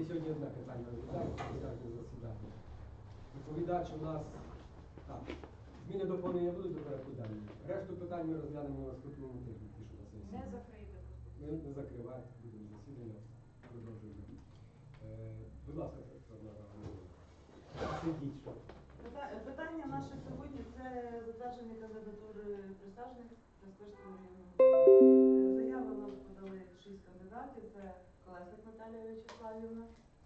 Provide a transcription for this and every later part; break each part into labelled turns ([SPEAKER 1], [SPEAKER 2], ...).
[SPEAKER 1] сьогодні одне питання розглядаємо засідання. Доповідач у нас так. Зміни доповнення будуть до порядку денного. Решту питань ми розглянемо на наступному тижні. Ті, що на сесії.
[SPEAKER 2] Не закрийте просто.
[SPEAKER 1] Ми не закриваємо, будемо засідання, продовжуємо. Будь ласка, сидіть, що.
[SPEAKER 3] Питання наше сьогодні це затвердження кандидатури присяжних Проспирського району. Заяви нам подали 6 кандидатів. Це Колесник Наталія Вячеславівна,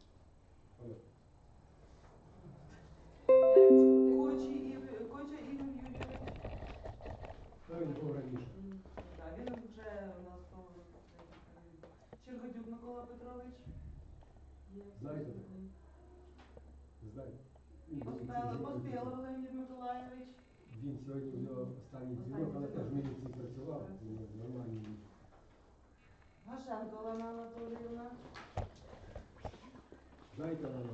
[SPEAKER 3] Коча Ігор Юрійович.
[SPEAKER 1] Він був раніше.
[SPEAKER 3] Він вже у нас Чергодюк Микола Петрович.
[SPEAKER 1] Знаєте? Знаєте?
[SPEAKER 3] Поспілов Леонід Миколаєвич.
[SPEAKER 1] Він сьогодні в нього останній дзвінок, але теж в міліції працював, нормальний.
[SPEAKER 3] Гашенко Олена Анатоліївна.
[SPEAKER 1] Знаєте, Олена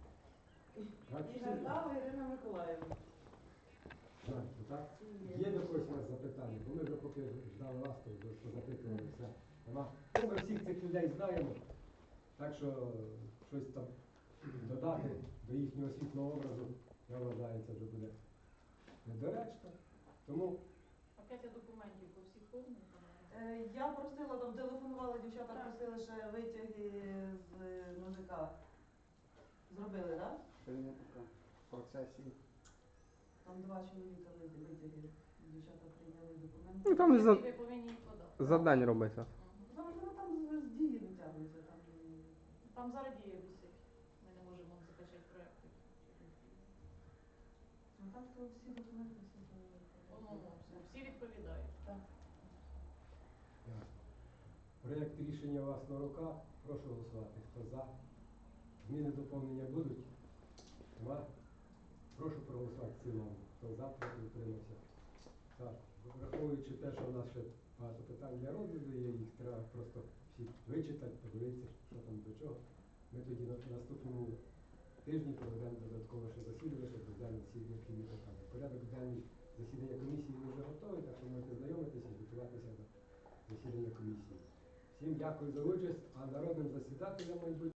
[SPEAKER 3] І Гартава Ірина Миколаївна.
[SPEAKER 1] Знаєте, так? Є до когось у вас запитання? Бо ми вже поки ждали вас, то запитували все. Ми всіх цих людей знаємо, так що щось там додати до їхнього світлого образу, я вважаю, це вже буде недоречно. Тому
[SPEAKER 2] Пакети документів по всіх формах.
[SPEAKER 3] Я просила, там телефонували, дівчата просили ще витяги з НАЗК. Зробили, так?
[SPEAKER 4] Ще не така в процесі.
[SPEAKER 3] Там 2 чоловіка витяги. Дівчата прийняли документи.
[SPEAKER 5] Ну, там за,
[SPEAKER 2] Ви повинні їх подати.
[SPEAKER 5] за день робиться.
[SPEAKER 3] Там з дії витягується.
[SPEAKER 2] Там зараз дія висить. Ми не можемо закачати проєкти.
[SPEAKER 3] Там що всі документи
[SPEAKER 2] Всі відповідають.
[SPEAKER 3] Так.
[SPEAKER 1] проєкт рішення у вас на руках. Прошу голосувати. Хто за? Зміни доповнення будуть? Нема? Прошу проголосувати в цілому. Хто за, проти утримався. Так, враховуючи те, що у нас ще багато питань для розгляду є, їх треба просто всі вичитати, подивитися, що там до чого. Ми тоді на наступному тижні проведемо додаткове ще засідання, щоб розглянути всі необхідні питання. Порядок денний засідання комісії вже готовий, так що можете знайомитися і готуватися до засідання комісії. Всім дякую за участь, а народним засідателям майбутнього